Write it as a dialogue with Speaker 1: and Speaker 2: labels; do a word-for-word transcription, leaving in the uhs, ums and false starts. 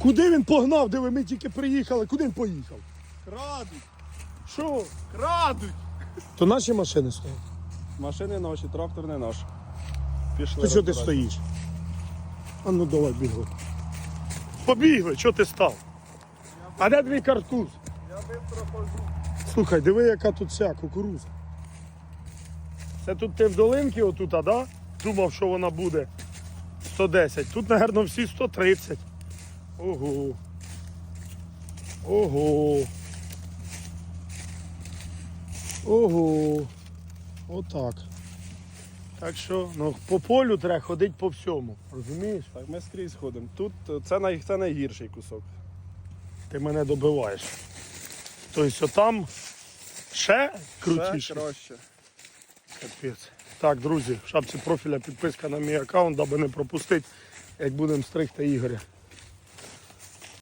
Speaker 1: Куди він погнав? Диви, ми тільки приїхали. Куди він поїхав?
Speaker 2: Крадуть!
Speaker 1: Що?
Speaker 2: Крадуть!
Speaker 1: То наші машини стоять.
Speaker 2: Машини наші, трактор не наш. Пішли.
Speaker 1: Ти що ти
Speaker 2: розбирати.
Speaker 1: стоїш? А ну давай бігли. Побігли, що ти став? А де твій картуз?
Speaker 2: Я швидко хожу.
Speaker 1: Слухай, диви, яка тут вся кукуруза. Це тут ти в долинці отут, а да? Думав, що вона буде сто десять. Тут, мабуть, всі сто тридцять. Ого. Ого. Ого. Отак. Так що, ну, по полю треба ходити по всьому. Розумієш?
Speaker 2: Так, ми скрізь ходимо. Тут е, це, най, це найгірший кусок.
Speaker 1: Ти мене добиваєш. Тобто там ще крутіше.
Speaker 2: Ще краще.
Speaker 1: Капець. Так, друзі, в шапці профіля підписка на мій аккаунт, аби не пропустити, як будемо стригти Ігоря.